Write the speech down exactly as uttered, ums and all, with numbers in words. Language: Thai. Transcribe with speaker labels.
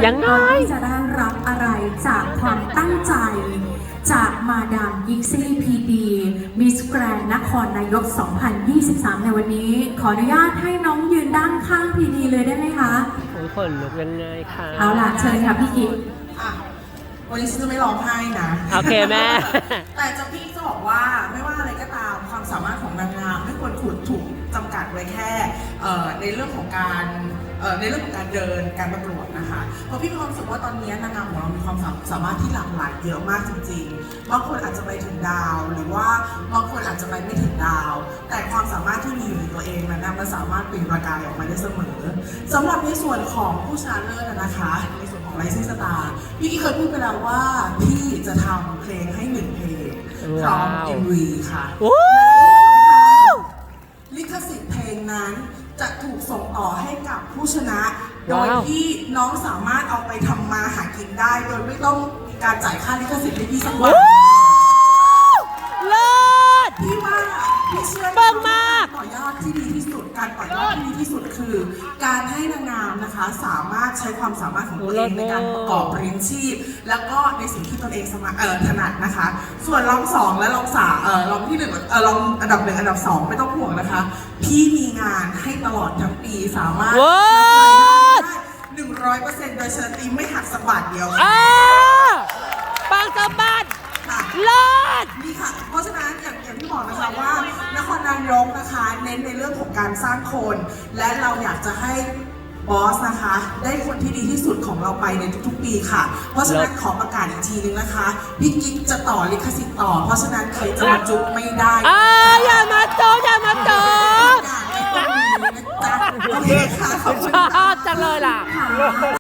Speaker 1: ยังไง
Speaker 2: จะได้รับอะไรจากความตั้งใจจากมาดามยิกซี่พีดีมิสแกรนนครนายก สองพันยี่สิบสาม ในวันนี้ ขออนุญาตให้น้องยืนด้านข้างพีดีเลยได้ไหมคะ
Speaker 1: โอ้ยขนลุกยังไงคะ
Speaker 2: เอาล่ะเชิญค่ะพี่กิ๊ก
Speaker 3: วันนี้ซื้อไม่ร้องไห้นะ
Speaker 1: โอเคแม่
Speaker 3: แต่จะพี่จะบอกว่าไม่ว่าอะไรก็ตามความสามารถของนางงามไม่ควรถูกถูกจำกัดไว้แค่ในเรื่องของการในเรื่องของการเดินการประกวดนะคะเพราะพี่มีความรู้สึกว่าตอนนี้นางงามของเรามีความสามารถที่หลากหลายเยอะมากจริงๆบางคนอาจจะไปถึงดาวหรือว่าบางคนอาจจะไปไม่ถึงดาวแต่ความสามารถที่มีอยู่ในตัวเองนั้นมันสามารถเปล่งประกายออกมาได้เสมอสำหรับในส่วนของผู้ชนะเลิศนะคะในส่วนของไลซิ่งสตาร์พี่กี้เคยพูดไปแล้วว่าพี่จะทำเพลงให้หนึ่งเพลงพร้อม เอ็ม วี ค่ะลิขสิทธิ์เพลงนั้นจะถูกส่งต่อให้กับผู้ชนะโดยที่น้องสามารถเอาไปทำมาหากินได้โดยไม่ต้องมีการจ่ายค่าลิขสิทธิ์ให้พี่สักวัน
Speaker 1: เลิศ
Speaker 3: พี่ว่าพี่เชื่อ
Speaker 1: เบิ่งมาก
Speaker 3: ต่อยอดที่ดีที่สุดการต่อยอดที่ดีที่สุดคือ การให้นางงามนะคะสามารถใช้ความสามารถของตัวเองในการประกอบเลี้ยงชีพแล้วก็ในสิ่งที่ตนเองสมัครเอ่อถนัดนะคะส่วนรองสองและรองสามเอ่อรองที่หนึ่งเอ่อรองอันดับหนึ่งอันดับสองไม่ต้องห่วงนะคะพี่มีงานให้ตลอดทั้งปีสามารถหนึ่งร้อยเปอร์เซ็นต์โดยเชิญตีไม่หักสักบาทเดียว
Speaker 1: ค่ะปังสะบัดเลิศ
Speaker 3: นี่ค่ะเพราะฉะนั้นอย่างอย่างที่บอกนะคะว่านครนายกนะคะเน้นในเรื่องของการสร้างคนและเราอยากจะให้บอสนะคะได้คนที่ดีที่สุดของเราไปในทุกๆปีค่ะเพราะฉะนั้นขอประกาศอีกทีนึงนะคะพี่กิ๊กจะต่อลิขสิทธิ์ต่อเพราะฉะนั้นใครจะมาจุกไม่ได้
Speaker 1: อ่าอย่ามาโจอย่ามาโจ
Speaker 3: โอเคค่ะขอบคุณ
Speaker 1: จังเลยล่ะ